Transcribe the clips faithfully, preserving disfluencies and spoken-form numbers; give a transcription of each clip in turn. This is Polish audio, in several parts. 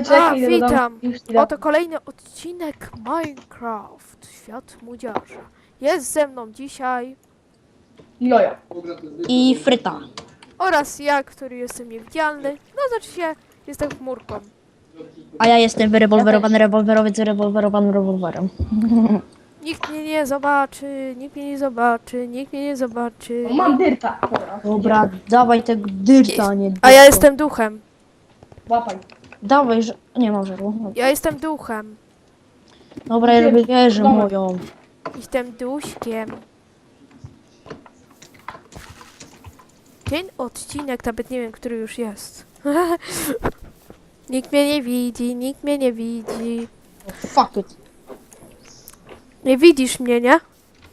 Czekaj, idę do domu. witam. Już idę. Oto kolejny odcinek Minecraft. Świat młodzieży. Jest ze mną dzisiaj Jojo. I fryta. oraz ja, który jestem niewidzialny. No znaczy się, jestem chmurką. A ja jestem wyrewolwerowany rewolwerowiec z rewolwerowanym rewolwerem. Nikt mnie nie zobaczy, nikt mnie nie zobaczy, nikt mnie nie zobaczy. O, mam dyrta. Dobra. Dobra, dawaj tego dyrta, nie A ja dyrta. jestem duchem. Łapaj. Dawaj, że... Nie mam żarło. Ja jestem duchem. Dobra, ja robię wieżę moją. Jestem duśkiem. Ten odcinek, nawet nie wiem, który już jest. Nikt mnie nie widzi, nikt mnie nie widzi. Fuck it. Nie widzisz mnie, nie?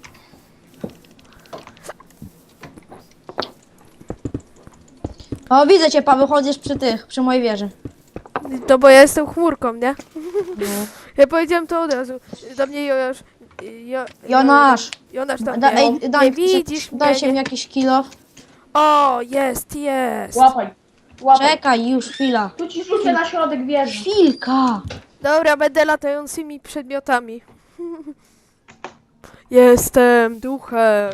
O, widzę cię, Paweł, chodzisz przy tych, przy mojej wieży. To bo ja jestem chmurką, nie? No. Ja powiedziałem to od razu. Do mnie Jonasz... Jo, Jonasz, Jonasz tam da, nie, ej, nie daj, widzisz daj mnie. się Nie. mi jakiś kilo. O, jest, jest. Łapaj. Łapaj. Czekaj, już chwila. Tu ci rzucę na środek wieży. Chwilka. Dobra, będę latającymi przedmiotami. Jestem duchem.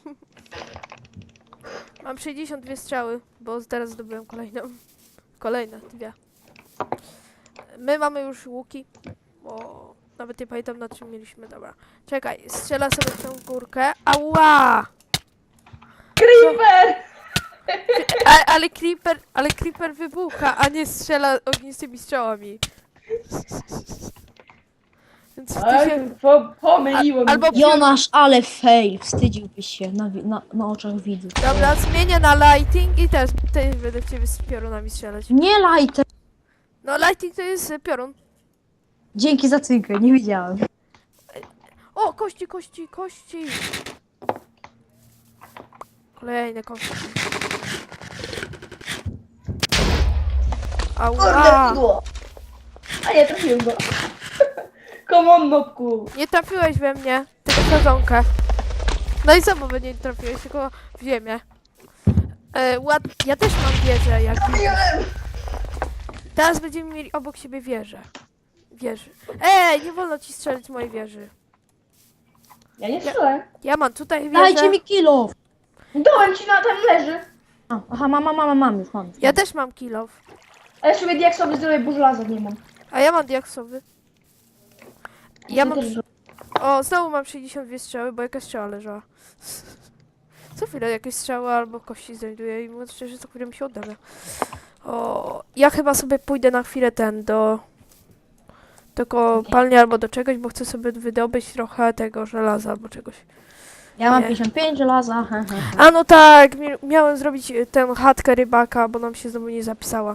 Mam sześćdziesiąt dwie strzały, bo teraz zdobyłem kolejną. Kolejne dwie. My mamy już łuki, bo nawet nie pamiętam, na czym mieliśmy. Dobra, czekaj, strzela sobie w tą górkę. Ała! Creeper! A, ale creeper, ale creeper wybucha, a nie strzela ognistymi strzałami. Więc ty Ej, się... po, pomyliło mi Albo się. Jonasz, ale fail. Wstydziłbyś się na, wi- na, na oczach widzów. Dobra, zmienię na lighting i też, też będę w ciebie z piorunami strzelać. Nie lajte. No lighting to jest y, piorun. Dzięki za cynkę, nie widziałem. O, kości, kości, kości. Kolejne kości. Ała. Kurde, A nie, trafiłem go. Come on, nopku. Nie trafiłeś we mnie, tylko w sadzonkę. No i co, bo nie trafiłeś, tylko w ziemię. E, ład... Ja też mam wieżę, jak widzisz. Teraz będziemy mieli obok siebie wieżę. Wieży. Ej, nie wolno ci strzelić z mojej wieży. Ja nie strzelę. Ja mam tutaj wieżę. Dajcie mi kilo. Dołem ci na tam leży. A, aha, mam, mam, mam, mam już, mam. Już. Ja też mam kilof. A ja sobie diaksowy zrobię, bo żelaza nie mam. A ja mam diaksowy. Ja mam... też- O, znowu mam sześćdziesiąt dwie strzały, bo jakaś strzała leżała. Co chwilę jakieś strzały albo kości znajduję i mówiąc szczerze, co chwilę mi się oddaje. O, ja chyba sobie pójdę na chwilę ten do... do kopalni albo do czegoś, bo chcę sobie wydobyć trochę tego żelaza albo czegoś. Ja mam Nie. pięćdziesiąt pięć żelaza. he, he, he. A no tak, mi- miałem zrobić y, tę chatkę rybaka, bo nam się znowu nie zapisała.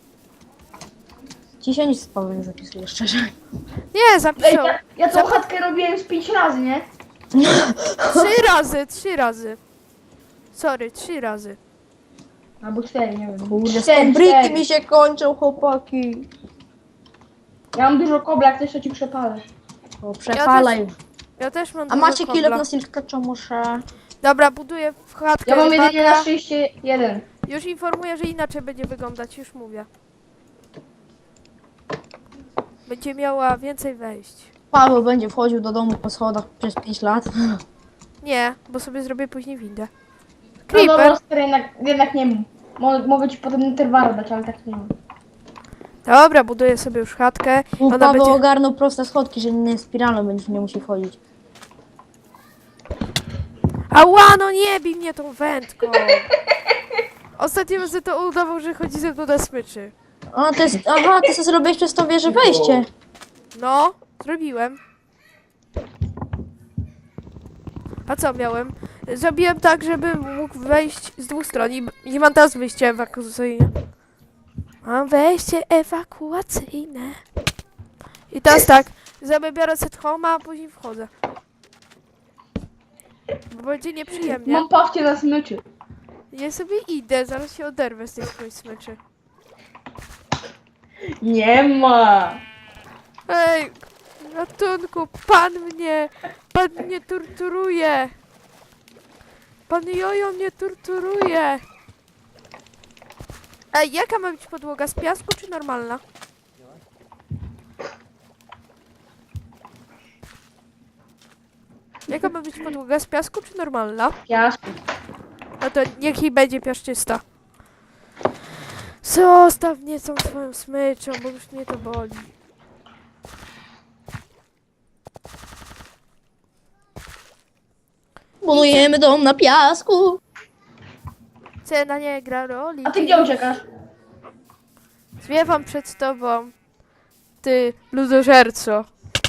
Ci się nic z Pawłem nie zapisuje, szczerze. Nie, Ej, zapisał. ja, ja tą Zap- chatkę robiłem z pięć razy, nie? Trzy razy, trzy razy. Sorry, trzy razy. Albo cztery, nie wiem. Kurde, Cztery, stąbriki cztery. mi się kończą, chłopaki. Ja mam dużo kobla, jak coś to ci przepalę. O, przepalaj. Ja też mam A dużo macie kobla. kilo na silkacza, muszę. Dobra, buduję w chatkę Ja mam rybaka. jedynie na szczęście jeden. Już informuję, że inaczej będzie wyglądać, już mówię. Będzie miała więcej wejść. Paweł będzie wchodził do domu po schodach przez pięć lat. Nie, bo sobie zrobię później windę. No Creeper! dobra, stary, jednak, jednak nie mam. Mo mogę ci potem interwaru dać, ale tak nie mam. Dobra, buduję sobie już chatkę. U Ona Paweł będzie... ogarnął proste schodki, że nie spiralą będziesz nie musi wchodzić. Ała, no nie bij mnie tą wędką! Ostatnio razy to udawał, że chodzi ze mną na smyczy. A, to jest, aha, ty sobie zrobiłeś przez tą wieżę wejście. No, zrobiłem. A co miałem? Zrobiłem tak, żebym mógł wejść z dwóch stron i i mam teraz wyjście ewakuacyjne. Mam wejście ewakuacyjne. I teraz tak, zabiorę set home, a później wchodzę. Bo będzie nieprzyjemnie. Mam pawcie na smyczy. Ja sobie idę, zaraz się oderwę z tej swojej smyczy. Nie ma. Ej, ratunku, pan mnie, pan mnie torturuje. Pan Jojo mnie torturuje. Ej, jaka ma być podłoga? Z piasku czy normalna? Jaka ma być podłoga? Z piasku czy normalna? Piasku. No to niech jej będzie piaszczysta. Zostaw mnie tą twoją smyczą, bo już mnie to boli. Budujemy dom na piasku. Cena nie gra roli. A ty gdzie uciekasz? Zwiewam przed tobą, ty ludożerco.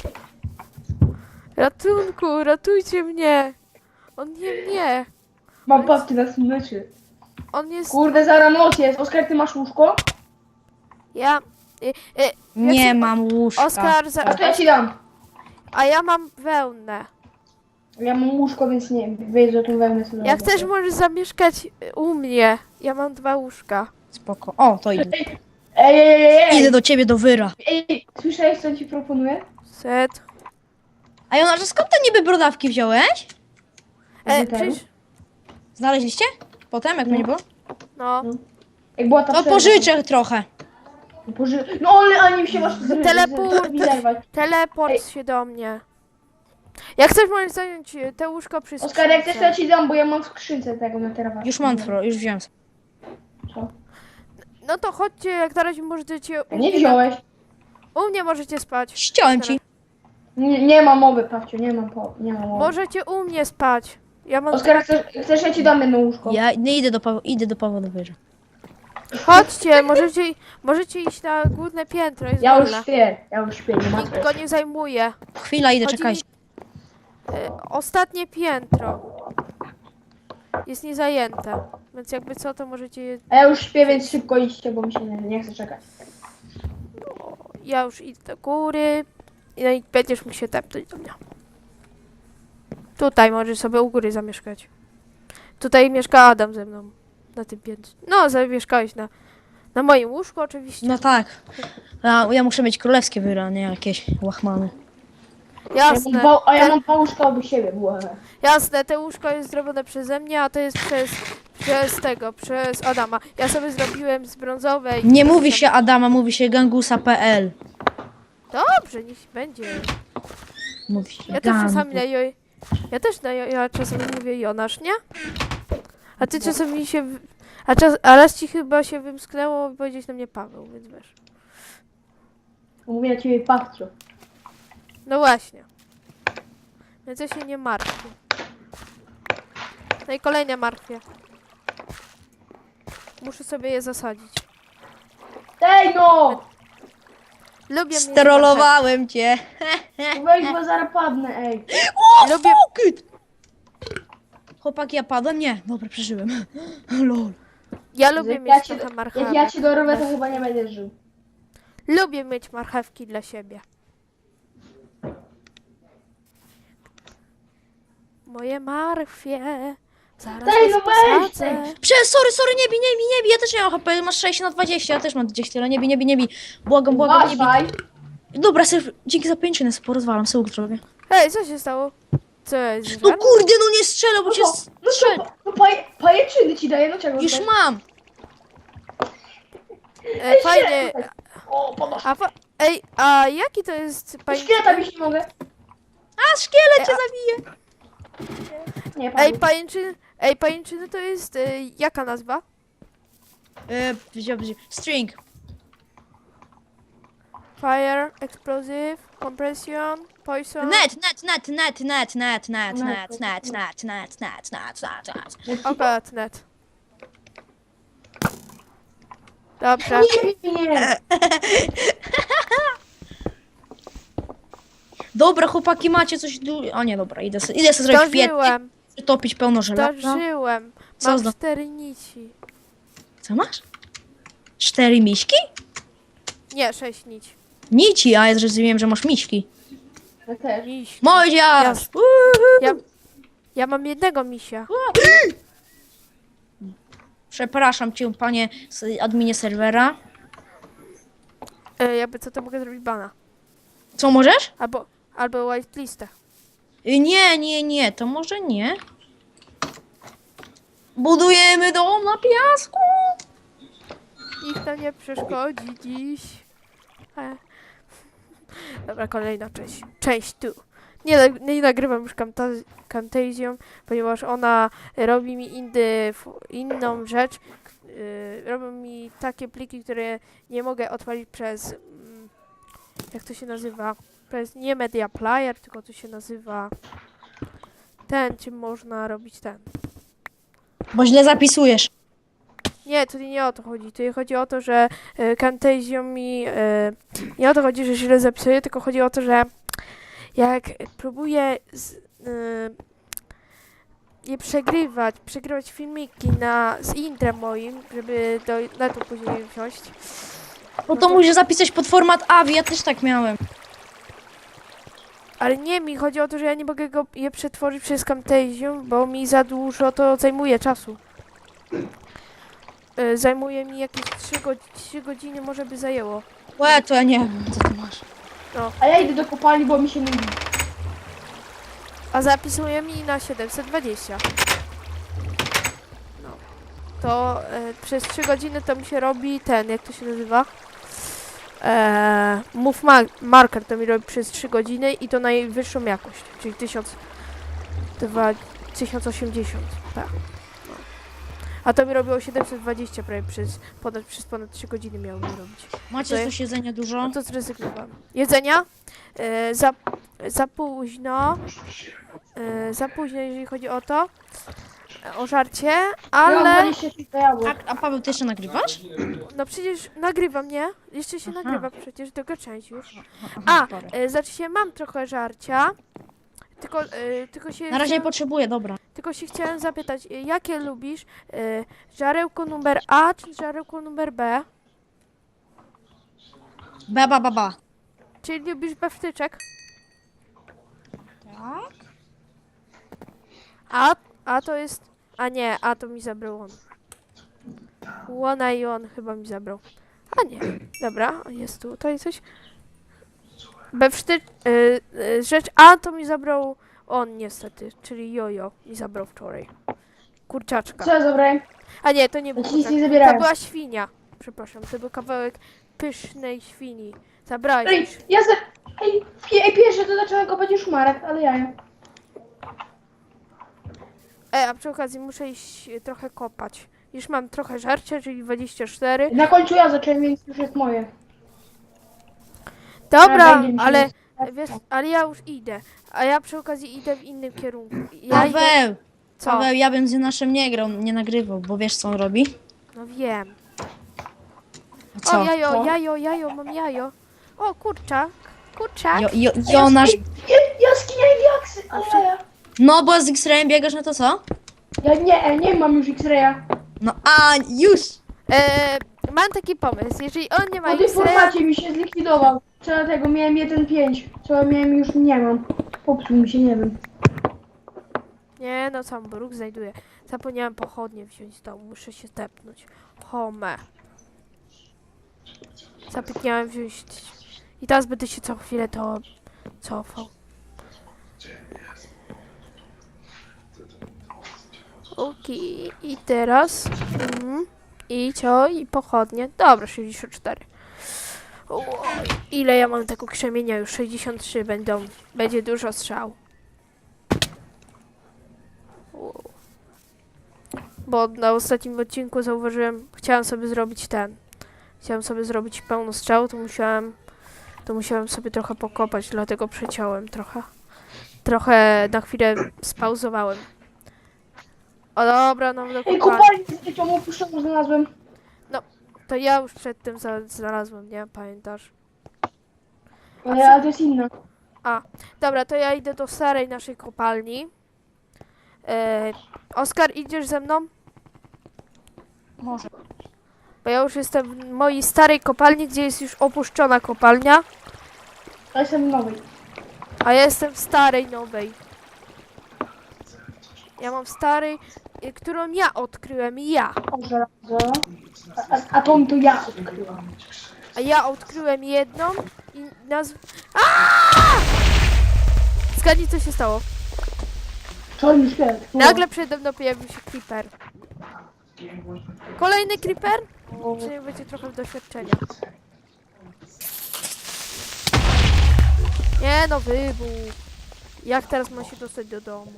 Ratunku, ratujcie mnie. On nie mnie. Mam papki na smyczy. On jest... Kurde, zaraz noc jest. Oskar, ty masz łóżko? Ja... Y, y, Nie jak się- mam łóżka. Oskar, za... A to ja ci dam. a ja mam wełnę. Ja mam łóżko, więc nie wiesz, że tu wełnę sobie. Jak chcesz, możesz zamieszkać u mnie. Ja mam dwa łóżka. Spoko. O, to idę. Ej, ej, ej, ej, Idę ej. do ciebie do wyra. Ej, słyszałeś, co ci proponuję? Set. A Jonasz, skąd te niby brodawki wziąłeś? E, Wytelu? przecież... Znaleźliście? Potem, jak mnie nie było? No. Jak była ta To przerwa. pożyczę trochę. Poży... No ale ani się masz zry- Teleport. z- zerwać. Teleport Ej. się do mnie. Jak chcesz, możesz zająć y, te łóżko przy Oskar, jak chcesz, to ja skrzynce. ci dam, bo ja mam w skrzynce tego na terawasie. Już mam tro, już wziąłem. Co? No to chodźcie, jak na razie możecie... A U nie mnie, wziąłeś? u mnie możecie spać. Ściąłem ci. Nie, nie ma mowy, Pawciu, nie mam po... nie ma mowy. Możecie u mnie spać. Ja mam... Oskar, chcesz, chcesz, ja ci dam jedno łóżko. Ja nie idę do Pawła, idę do Pawła do wyra. Chodźcie, możecie, możecie iść na główne piętro, jest Ja już wolne. śpię, ja już śpię, nie ma Nikt go nie zajmuje. Chwila, idę, Chodzi czekajcie. mi- y, ostatnie piętro jest niezajęte, więc jakby co, to możecie... je- A ja już śpię, więc szybko idźcie, bo mi się nie, nie chce czekać. Ja już idę do góry i no i będziesz mógł się tepnąć do mnie. Tutaj możesz sobie u góry zamieszkać. Tutaj mieszka Adam ze mną. Na tym piętrze. No, zamieszkałeś na, na moim łóżku oczywiście. No tak. Ja, ja muszę mieć królewskie wyra, nie jakieś łachmany. Ja mam Jasne, dwa, a ja mam dwa łóżka obok siebie, było. jasne, te łóżko jest zrobione przeze mnie, a to jest przez, przez tego, przez Adama. Ja sobie zrobiłem z brązowej. Nie mówi się Adama, mówi się gangusa kropka p l. Dobrze, niech będzie. Mówi się Ja też gangu. czasami na jo... Ja też na jo... Ja czasami mówię Jonasz, nie? A ty czasami się... w- A, czas... A raz ci chyba się wymsknęło powiedzieć na mnie Paweł, więc wiesz. Mówię na ciebie Pawciu. No właśnie. Więc ja się nie martwię. No i kolejne martwię. Muszę sobie je zasadzić. Ej no! Lubię mieć Sterolowałem cię. Weź, bo zaraz padnę, ej. O, Lubię- fuck it. Chłopaki, ja padłem? Nie. Dobra, przeżyłem. Lol. marchew- Ja lubię Jak mieć ja ci, trochę jak marchewek. ja ci dorobię, to chyba nie będziesz żył. Lubię mieć marchewki dla siebie. Moje marchwie. Zaraz Daj, was no weź, posadzę. Prze, sorry, sorry, nie bij, nie bij, nie bij. Ja też nie mam H P, masz sześć na dwadzieścia, ja też mam gdzieś tyle. Nie bij, nie bij, nie bij. Błagam, błagam, nie bij. Uważaj. Dobra, sobie, dzięki za pięćczynę sobie porozwalam, sobie zrobię. Ej, co się stało? Co jest? No żar? kurde, no nie strzelę, bo No cię to, no strzelę. to, no paje, pajęczyny ci daję, no czego? Już chcesz? mam. E, fajnie. O, podnoś. A fa... Ej, a jaki to jest pani... Szkieleta bić nie mogę. A, szkielet cię zabije. Nie, Ej, padł. pajęczyny... Ej, pajęczyny to jest... E, jaka nazwa? E, wziął, wziął. String. Fire, explosive, compression, poison... Net, net, net, net, net, net, net, Net, net, net, net, net, net, net, net, net. Oka, net. Dobrze. Nie, nie. Dobra, chłopaki, macie coś du... O nie, dobra, idę sobie, idę sobie zrobić piec, Zdążyłem, topić pełno żelaza. zdążyłem. Co Mam zdo- cztery nici. Co masz? Cztery miśki? Nie, sześć nici. Nici, a ja zrozumiałem, że masz miśki. Ja też. Miś. Moździarz! Jasne. Ja, ja mam jednego misia. Przepraszam cię, panie s- adminie serwera. E, jakby co, to mogę zrobić bana. Co możesz? Albo, albo whitelistę. Y, Nie, nie, nie, to może nie. Budujemy dom na piasku. Nikt to nie przeszkodzi dziś. E. Dobra, kolejna część. Część tu. Nie, nag- nie nagrywam już Camta- Camtasią, ponieważ ona robi mi inny, f- inną rzecz. Yy, robią mi takie pliki, które nie mogę odpalić przez... Mm, jak to się nazywa? Przez nie Media Player, tylko to się nazywa... Ten, czym można robić ten. Bo źle zapisujesz. Nie, tu nie o to chodzi. Tu chodzi o to, że y, Camtasia mi... Y, nie o to chodzi, że źle zapisuję, tylko chodzi o to, że jak próbuję z, y, je przegrywać, przegrywać filmiki na, z intrem moim, żeby do netu później wziąć. Bo to musisz zapisać pod format A V I, ja też tak miałem. Ale nie, mi chodzi o to, że ja nie mogę go je przetworzyć przez Camtasię, bo mi za dużo to zajmuje czasu. Y, zajmuje mi jakieś trzy godziny, może by zajęło. Łe, to ja nie wiem, co ty masz. A ja idę do kopalni, bo mi się nudzi. A zapisuje mi na siedemset dwadzieścia. No. To e, przez trzy godziny to mi się robi ten, jak to się nazywa? E, move ma marker to mi robi przez trzy godziny i to najwyższą jakość, czyli tysiąc osiemdziesiąt. Tak. No. A to mi robiło siedemset dwadzieścia prawie przez ponad, przez ponad trzy godziny miało mi robić. Macie To coś jedzenia dużo? No to zrezygnowałam. Jedzenia? E, za, za późno. E, za późno, jeżeli chodzi o to. E, o żarcie, Ja mam ale. dwadzieścia trzy jabłek. A, a Paweł, ty jeszcze nagrywasz? No przecież nagrywam, nie? Jeszcze się Aha. nagrywa przecież, druga część już. Aha, A, sorry. e, znaczy się mam trochę żarcia. Tylko, e, tylko się. Na razie nie chciałam, potrzebuję, dobra. tylko się chciałem zapytać, e, jakie lubisz? E, żarełko numer A czy żarełko numer B? Ba, ba, ba, ba. Czyli lubisz bewtyczek? Tak? A, a to jest... A nie, a to mi zabrał on. Łona i on chyba mi zabrał. A nie, dobra, jest tutaj coś. Bewszty... Y, y, rzecz A to mi zabrał on niestety, czyli jojo mi zabrał wczoraj. Kurczaczka. Co ja zabrałem? A nie, to nie był Ja ci nic kurczak. nie To zabierałem. była świnia. Przepraszam, to był kawałek pysznej świni. Zabrałeś Ej, już. ja za... Ej, pi- ej, pierwsze to zacząłem kopać już Marek, ale ja. E, a przy okazji muszę iść y, trochę kopać. Już mam trochę żarcia, czyli dwadzieścia cztery. Na końcu ja zacząłem, więc już jest moje. Dobra, będzie mi się ale, nie- wiesz, ale ja już idę. A ja przy okazji idę w innym kierunku. Ja idę... Paweł! Co? Paweł, ja bym z naszym nie grał, nie nagrywał, bo wiesz co on robi? No wiem. Co? O, jajo, Co? jajo, jajo, mam jajo. O, kurczak, kurczak. Jo, jo, Jonasz... Ej, ja, jaskinia i diaksy, ale ja. No, bo z X-Rayem biegasz, no to co? Ja nie, e, nie mam już X-raya. No, a już! E, mam taki pomysł, jeżeli on nie ma Po tym X-raya, formacie mi się zlikwidował. Co dlatego miałem jeden przecinek pięć. Co ja miałem już nie mam. Popsuł mi się, nie wiem. nie no, sam bruk znajduję. Zapomniałem pochodnie wziąć z domu, muszę się tepnąć. Home. Zapomniałem wziąć... I teraz będę się co chwilę to cofał. Okej, i teraz... Mm, I co? I pochodnie. Dobra, sześćdziesiąt cztery. Oj, ile ja mam tego krzemienia? Już sześćdziesiąt trzy będą. Będzie dużo strzał. Wow. Bo na ostatnim odcinku zauważyłem, chciałem sobie zrobić ten. Chciałem sobie zrobić pełno strzał, to musiałem, to musiałem sobie trochę pokopać, dlatego przeciąłem trochę. Trochę na chwilę spauzowałem. O dobra, no do Ej, kopalni. kopalnię z dziecią opuszczoną znalazłem. To ja już przedtem za, znalazłem, nie? Pamiętasz? Ale, ale to jest inna. Dobra, to ja idę do starej naszej kopalni. E, Oskar, idziesz ze mną? Może. Bo ja już jestem w mojej starej kopalni, gdzie jest już opuszczona kopalnia, Ale jestem w nowej. a ja jestem w starej, nowej. Ja mam w starej, y, którą ja odkryłem, ja. O, żelazo. A, a, a tą to ja odkryłam. A ja odkryłem jedną i nazw... Zgadnij, co się stało. Czarny szkielet. Nagle przede mną pojawił się creeper. Kolejny creeper? Czyli będzie trochę doświadczenia. Nie no, wybuch. Jak teraz ma się dostać do domu?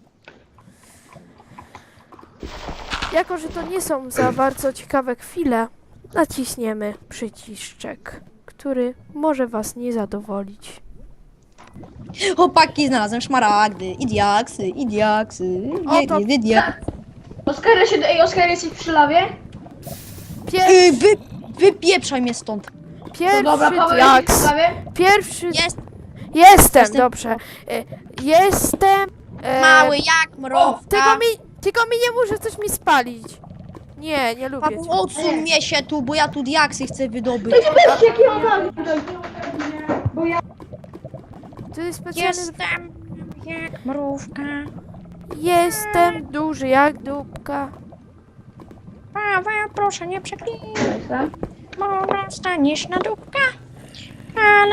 Jako, że to nie są za bardzo ciekawe chwile, naciśniemy przyciszczek, który może was nie zadowolić. Chłopaki, znalazłem szmaragdy i diaksy, i diaksy. O, Nie, to- nie, nie, nie. Oskar, ja się... Ej, Oskar, jesteś przy lawie? Pier Ej, wy, wypieprzaj mnie stąd. No pierwszy dobra, Paweł, jesteś diaks. przy lawie? Pierwszy... Jest Jestem, Jestem. dobrze. E, Jestem... e, mały jak mrówka. Tylko mi, tylko mi nie muszę coś mi spalić. Nie, nie lubię Papu, cię. odsuń mnie się tu, bo ja tu diaksy chcę wydobyć. Ej, zobaczcie, jaki mam lawie tutaj. Bo ja... To jest specjalny... Jestem jak mrówka. Jestem duży jak dupka. Paweł, proszę nie przeklinaj, Jestem. bo dostaniesz na dupka. Ale...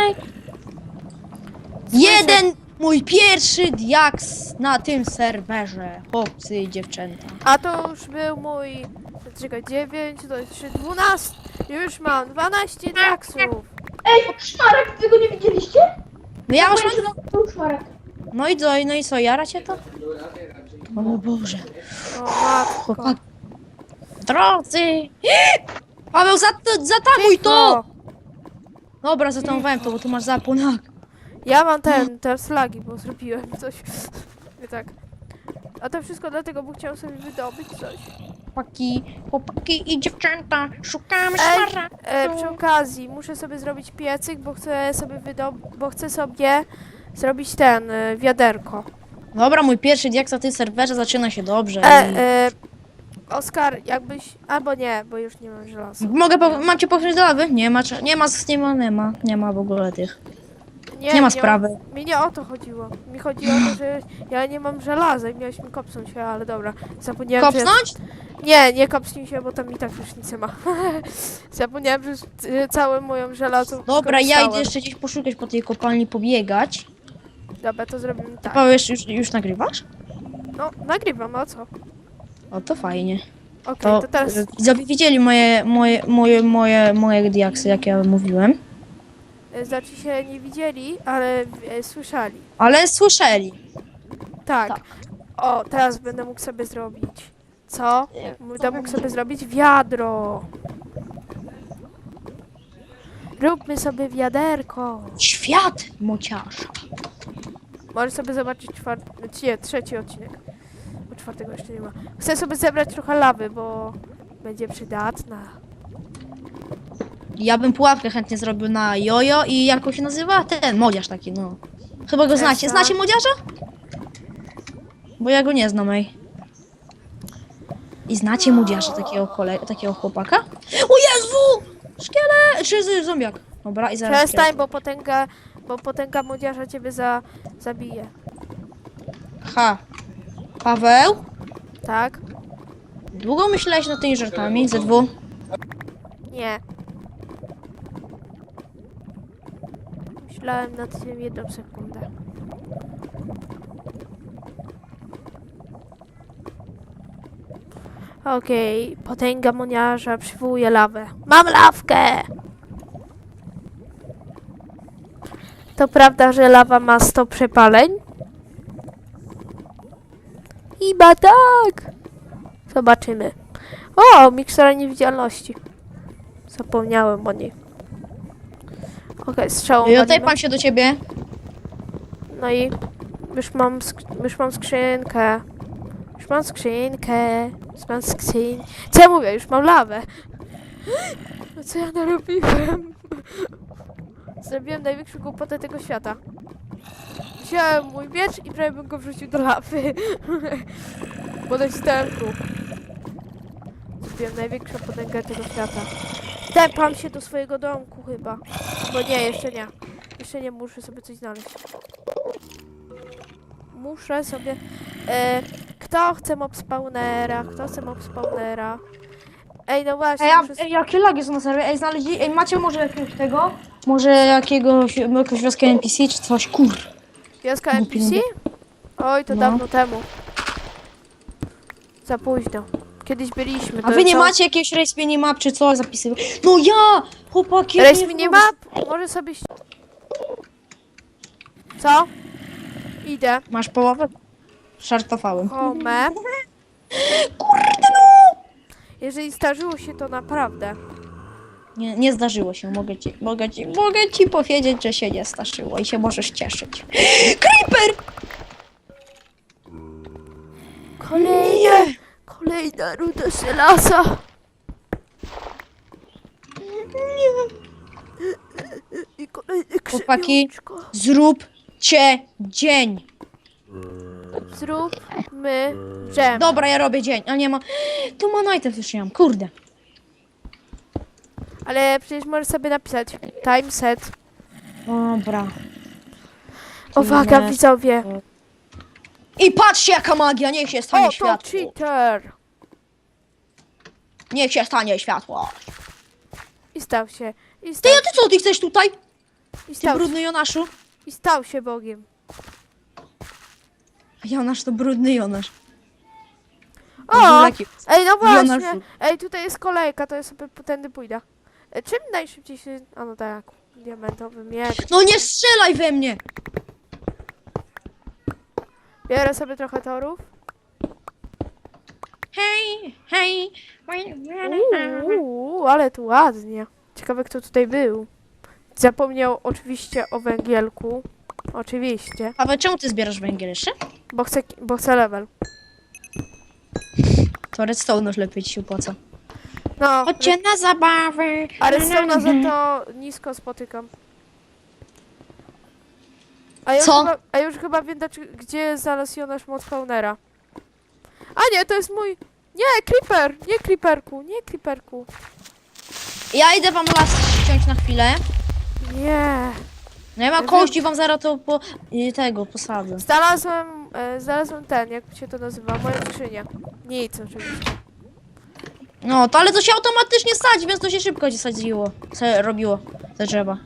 Jeden mój pierwszy diaks na tym serwerze, chłopcy i dziewczęta. A to już był mój... Czekaj, dziewięć, to jest trzy, dwanaście. Już mam dwanaście diaksów. Ej, szmarek, wy go nie widzieliście? No ja już Powiem, mam... że to był szmarek. No i co, no i co, jara cię to? O Boże. O matko. Chłopak. Drodzy! Paweł, zat- zatamuj to! Dobra, zatamowałem to, bo tu masz zapłonak. Ja mam ten, te flagi, bo zrobiłem coś. Nie tak. A to wszystko dlatego, bo chciałem sobie wydobyć coś. Chłopaki, chłopaki i dziewczęta, szukamy Ej, szmaragdu. e, przy okazji muszę sobie zrobić piecyk, bo chcę sobie wydobyć, bo chcę sobie zrobić ten, e, wiaderko. Dobra, mój pierwszy diaks na tym serwerze zaczyna się dobrze. E, i- e, Oskar, jakbyś, albo nie, bo już nie mam żelaza. Mogę, po- mam cię popchnąć do lawy? Nie ma, cza- nie ma, nie ma, nie ma, nie ma w ogóle tych. Nie ma sprawy. O, mi nie o to chodziło. Mi chodziło o to, że ja nie mam żelaza i miałeś mi kopsnąć się, ale dobra. Zapomniałem, że... Kopsnąć? Nie, nie kopsnij się, bo tam i tak już nic nie ma. Zapomniałem, że y, całą moją żelazą Dobra, ja skorzystałem. idę jeszcze gdzieś poszukać po tej kopalni, pobiegać. Dobra, to zrobimy Ty, tak. Paweł, już, już, już nagrywasz? No, nagrywam, a co? O, to fajnie. Okej, To, to teraz... y, widzowie widzieli moje, moje, moje, moje, moje diaksy, jak ja mówiłem. y, Znaczy się nie widzieli, ale y, słyszeli. Ale słyszeli. Tak. Tak. O, teraz będę mógł sobie zrobić. Co? Będę mógł sobie zrobić wiadro. Róbmy sobie wiaderko. Świat mociarza. Możesz sobie zobaczyć czwarty, nie, trzeci odcinek. Bo czwartego jeszcze nie ma. Chcę sobie zebrać trochę lawy, bo będzie przydatna. Ja bym pułapkę chętnie zrobił na jojo i jak on się nazywa? Ten modziarz taki, no. Chyba go znacie. Esa. Znacie modziarza? Bo ja go nie znam, ej. I znacie modziarza, takiego, kole... takiego chłopaka? O Jezu! Szkielet! Czy z- zombiak? Dobra, i zaraz Przestań, szkielet. bo potęga, bo potęga młodzieża ciebie za, zabije. Ha. Paweł? Tak? Długo myślałeś nad tymi żartami? Ze dwu? Nie. Myślałem nad tym jedną sekundę. Okej, potęga moniarza przywołuje lawę. Mam lawkę! To prawda, że lawa ma sto przepaleń? Chyba tak! Zobaczymy. O, mikstura niewidzialności. Zapomniałem o niej. Okej, strzałą. Ja walimy. pan się do ciebie. No i już mam, sk- już mam skrzynkę. Już mam skrzynkę. Już mam skrzyn... Co ja mówię? Już mam lawę. No co ja narobiłem? Zrobiłem największą głupotę tego świata. Wziąłem mój miecz i prawie bym go wrzucił do lawy. Bo nacisnąłem kół. Zrobiłem największą potęgę tego świata. Tepam się do swojego domku chyba. Bo nie, jeszcze nie. Jeszcze nie, muszę sobie coś znaleźć. Muszę sobie... E, kto chce mob spawnera? Kto chce mob spawnera? Ej, no właśnie, Ej, a, muszę... ej, jakie lagi są na serwie? Ej, znaleźli... Ej, macie może jakiegoś tego? Może jakiegoś, jakąś wioskę N P C czy coś? Kur... Wioska N P C? Oj, to No. dawno temu. Za późno. Kiedyś byliśmy. A to wy nie to- macie jakiegoś race minimap czy coś zapisywać? No ja! Chłopaki! Race nie minimap? Może sobie... ś- Co? Idę. Masz połowę? Żartowałem. Home. Kurde no! Jeżeli zdarzyło się to naprawdę. Nie, nie zdarzyło się, mogę ci, mogę ci, mogę ci powiedzieć, że się nie zdarzyło i się możesz cieszyć. Creeper! Kolejne. Kolejna ruda żelaza. I kolejny Chłopaki. krzywiuszko. Zróbcie dzień. Zróbmy dżem. Dobra, ja robię dzień, ale nie ma... Tu ma night już nie mam, kurde. Ale przecież możesz sobie napisać time set. Dobra. Uwaga, Tyle. widzowie. I patrzcie jaka magia, niech się stanie O, to światło. cheater. Niech się stanie światło. I stał się. I Ty, stał, a ty co, ty chcesz tutaj? i Ty stał, się, brudny Jonaszu? i stał się Bogiem. Jonasz to brudny Jonasz. O! Żulaki. Ej, no właśnie. Jonaszu. Ej, tutaj jest kolejka, to ja sobie potędy pójdę. E, Czym najszybciej się... A no tak, diamentowy miecz. No nie strzelaj we mnie! Biorę sobie trochę torów. Hej, hej. Uuu, ale tu ładnie. Ciekawe, kto tutaj był. Zapomniał oczywiście o węgielku. Oczywiście. Paweł, czemu ty zbierasz węgiel jeszcze? Bo chcę, bo chcę level. To redstone już lepiej ci się opłaca. No, Chodźcie na zabawę. a redstone'a za to nisko spotykam. A ja, Co? Już chyba, a już chyba wiem, dlaczego- gdzie znalazł Jonasz moc spawnera. A nie, to jest mój... Nie, creeper! Nie creeperku, nie creeperku. Ja idę wam las ściąć na chwilę. Nie. No ja mam kości, wam zaraz to po... i tego posadzę. Znalazłem, e, znalazłem ten, jak się to nazywa, moją skrzynię. Nic oczywiście. No, to ale to się automatycznie sadzi, więc to się szybko się sadziło. Co robiło te drzewa.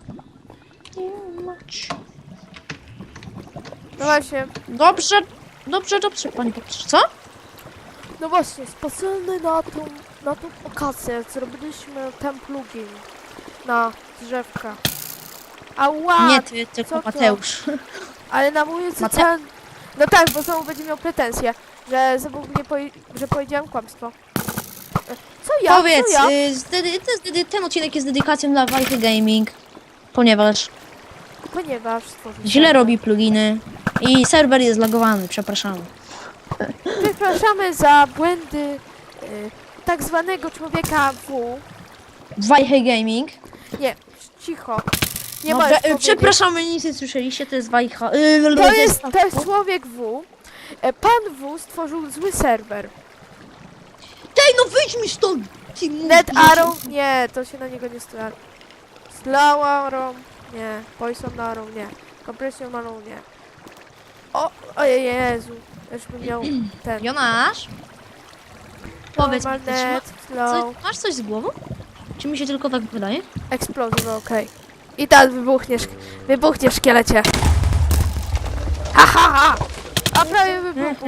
No właśnie, Dobrze, dobrze, dobrze, pani poprze. Co? no właśnie, specjalny na tą, na tą okazję zrobiliśmy ten plugin na drzewka. Ała, Nie ty, co tylko to? Mateusz. ale na mój Mate- ten... No tak, bo znowu będzie miał pretensje, że znowu mnie powie... że powiedziałem kłamstwo. E, Co ja? Powiedz, Co ja? y, z dedy- to jest dedy- ten odcinek jest dedykacją dla Wajchy Gaming. Ponieważ Ponieważ stworzył źle serwer. robi pluginy i serwer jest zlagowany, przepraszamy. Przepraszamy za błędy y, tak zwanego człowieka W. Wajchy Gaming. Nie, cicho. Nie Dobrze, możesz y, powiedzieć. przepraszamy, nic nie słyszeliście, to jest Wajcha. Y, To jest, to jest człowiek W. E, Pan W stworzył zły serwer. Tej, no wyjdź mi stąd! Ty Net mówisz. Arrow, nie, to się na niego nie stara. Slow Arrow, nie. Poison Arrow, nie. Compression Arrow, nie. O, o Jezu. Już bym miał ten. Jonasz? Powiedz mi, Normal ty, czy ma, net, slow. co, masz coś z głową? Czy mi się tylko tak wydaje? Explosive, okej. I tak wybuchniesz, wybuchniesz szkielecie. Ha, ha, ha! A prawie wybuchł.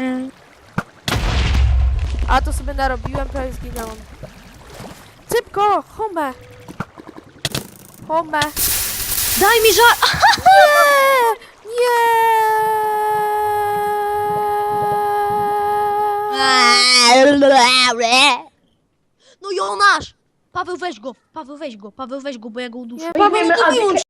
A to sobie narobiłem, prawie zginęłam. Szybko, home! Home! Daj mi żar... Nie! Nie! No Jonasz! Paweł weź go, Paweł weź go, Paweł weź go, bo ja go uduszę. Nie, Paweł, Weźmiemy no to Adykę. wyłącz